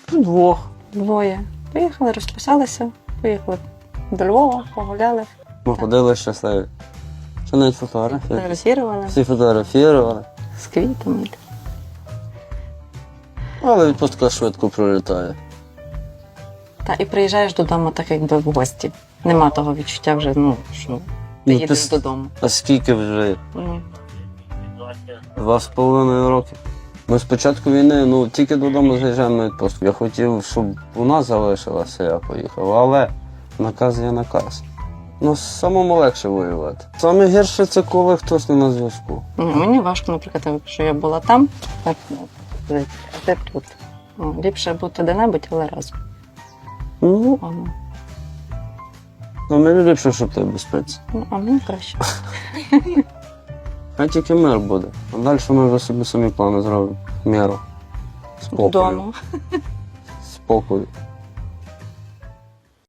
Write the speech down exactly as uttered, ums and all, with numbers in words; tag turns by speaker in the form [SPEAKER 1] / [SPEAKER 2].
[SPEAKER 1] Двох.
[SPEAKER 2] Двоє. Поїхали, розписалися, поїхали до Львова, погуляли,
[SPEAKER 1] Ми ходили щасливі. Що навіть фотографії.
[SPEAKER 2] фотографували
[SPEAKER 1] Всі фотографували.
[SPEAKER 2] з квітами.
[SPEAKER 1] Але відпустка швидко пролітає.
[SPEAKER 2] Та і приїжджаєш додому так, якби в гості. Нема того відчуття вже, ну, що ти
[SPEAKER 1] Ну,
[SPEAKER 2] їдеш
[SPEAKER 1] ти-
[SPEAKER 2] додому.
[SPEAKER 1] А скільки вже?
[SPEAKER 2] Ну,
[SPEAKER 1] Два з половиною роки. Ми з початку війни, ну, тільки додому заїжджаємо на відпустку. Я хотів, щоб у нас залишилося, я поїхав, але наказ є наказ. Ну, самому легше воювати. Саме гірше це коли хтось не на зв'язку.
[SPEAKER 2] ну, мені важко, наприклад, що я була там, так, ну, а ти тут. Ну, ліпше бути де-небудь, але разом.
[SPEAKER 1] Ну,
[SPEAKER 2] А, ну,
[SPEAKER 1] ну мені ліпше, щоб ти в безпеці.
[SPEAKER 2] ну, а мені краще.
[SPEAKER 1] Хай тільки мир буде. А далі ми вже собі самі плани зробимо. Міру. Спокою.
[SPEAKER 2] Додому.
[SPEAKER 1] Спокою.